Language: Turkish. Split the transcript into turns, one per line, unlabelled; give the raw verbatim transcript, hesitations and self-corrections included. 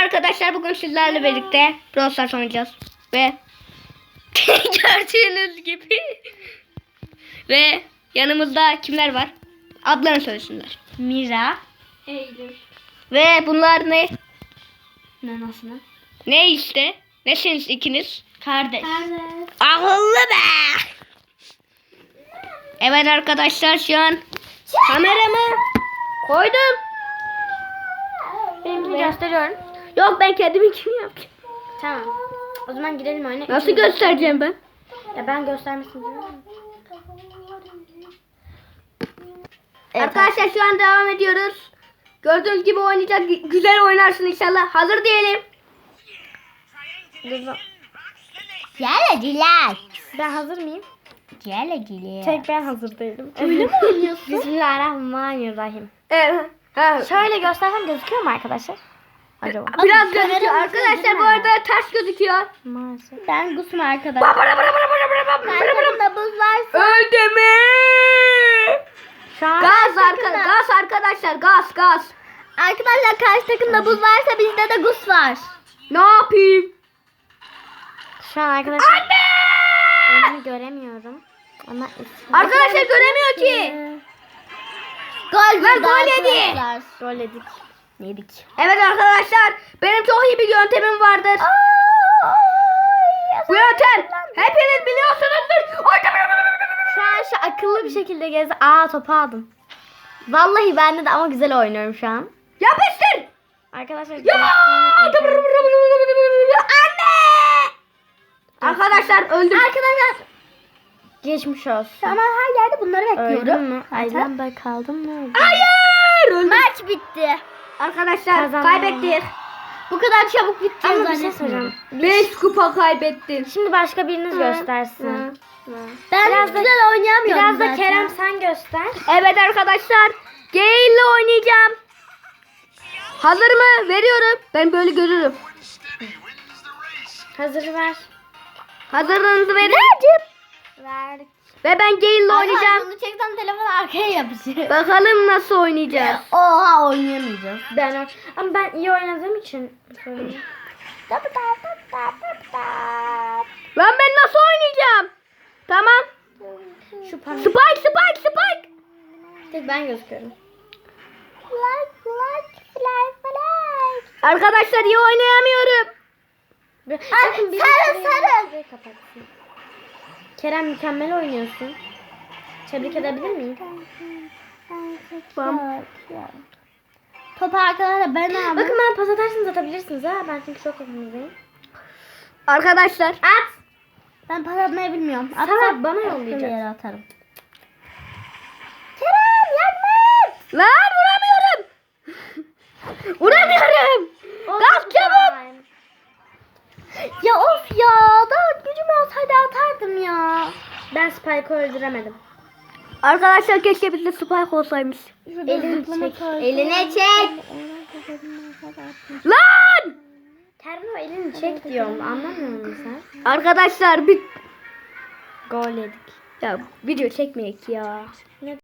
arkadaşlar, bugün sizlerle birlikte Brawl Stars oynayacağız. Ve gördüğünüz gibi ve yanımızda kimler var? Adlarını söylesinler.
Mira.
Eylül.
Ve bunlar ne?
Ne nasıl?
Ne işte? Nesiniz ikiniz?
Kardeş.
Evet.
Akıllı be! Evet arkadaşlar, şu an kameramı koydum.
Benimkini gösteriyorum.
Yok, ben kendimi kim yapacağım?
Tamam. O zaman girelim oyuna.
Nasıl göstereceğim ben?
Ya ben göstermesin diyorum.
Arkadaşlar şu an devam ediyoruz. Gördüğünüz gibi oynayacak. Güzel oynarsın inşallah. Hazır diyelim.
Geleciler. Ben hazır mıyım? Geleciler. Tek ben hazır değilim. Öyle mi oynuyorsun? Bismillahirrahmanirrahim.
Evet. Ha.
Şöyle göstersem gözüküyor mu arkadaşlar? Acaba?
Biraz gözüküyor. Arkadaşlar bu arada ters gözüküyor.
Maalesef. Ben Gusma arkadaşlar.
Karşımda buz varsa.
Öldü mü?
Şu an
Gaz arka, gaz arkadaşlar, gaz gaz.
Arkadaşlar karşı takımda buz varsa bizde de gus var.
Ne yapayım?
Şu an arkadaşlar önümü göremiyorum. Ama
Arkadaşlar göremiyor ki.
Gol
Lan
girdi
gol yedi.
arkadaşlar.
Gol yedik. Yedik.
Evet arkadaşlar, benim çok iyi bir yöntemim vardır. Bu yöntem hepiniz biliyorsunuzdur.
Şu an şu akıllı bir şekilde gezi. Aa topu aldım. Vallahi bende de ama güzel oynuyorum şu an.
Yapıştır.
Arkadaşlar.
Ya! Anne! Arkadaşlar öldüm.
Arkadaşlar
Geçmiş olsun.
ama her yerde bunları
Öldün
bekliyorum.
mü? Ay ben de kaldım mı?
Hayır! Öldüm.
Maç bitti.
Arkadaşlar
Kazandım.
kaybettik.
Bu kadar çabuk bitti.
Ama bir şey soracağım.
beş kupa kaybettin.
Şimdi başka biriniz göstersin.
Ben
Biraz da-
güzel oynayamıyorum
Biraz da
zaten.
Kerem sen göster.
Evet arkadaşlar, Gale ile oynayacağım. Hazır mı? Veriyorum. Ben böyle görürüm.
Hazır ver.
Hazırlığınızı verin.
Verdik.
Ve ben Gale ile
Arkadaşlar
oynayacağım.
bunu çekten telefon arkaya yapışır.
Bakalım nasıl oynayacağız.
Oha oynayamayacağız.
Ben ama ben iyi oynadığım için söyleyeyim.
Lan ben nasıl oynayacağım? Tamam.
Şu pan.
Spike, Spike, Spike.
Tek ben gözüküyorum.
Like like fly fly.
Arkadaşlar iyi oynayamıyorum.
Bakın biri
sarı,
şurayı-
sarı.
şurayı kapatsın. Kerem mükemmel oynuyorsun. Tebrik edebilir miyim?
Tamam.
Topu arkadaşlar ben aldım.
Bakın ben pas atarsanız atabilirsiniz ha. Ben çünkü çok yakınızdayım.
Arkadaşlar.
At. Ben pas atmayı bilmiyorum. At
Salak, bana
başka
yollayacaksın.
bir yere atarım. Kerem yardım et.
Lan vuramıyorum. Vuramıyorum. Kalk çabuk.
Ya of ya. Daha gücüm olsaydı atardım ya.
Ben Spike'ı öldüremedim.
Arkadaşlar keşke bizde Spike olsaymış.
Elini çek.
Eline çek.
Lan!
Kerem o elini çek diyorum. Anlamıyor musun sen?
Arkadaşlar bir
Gol yedik.
ya video çekmeyek ya.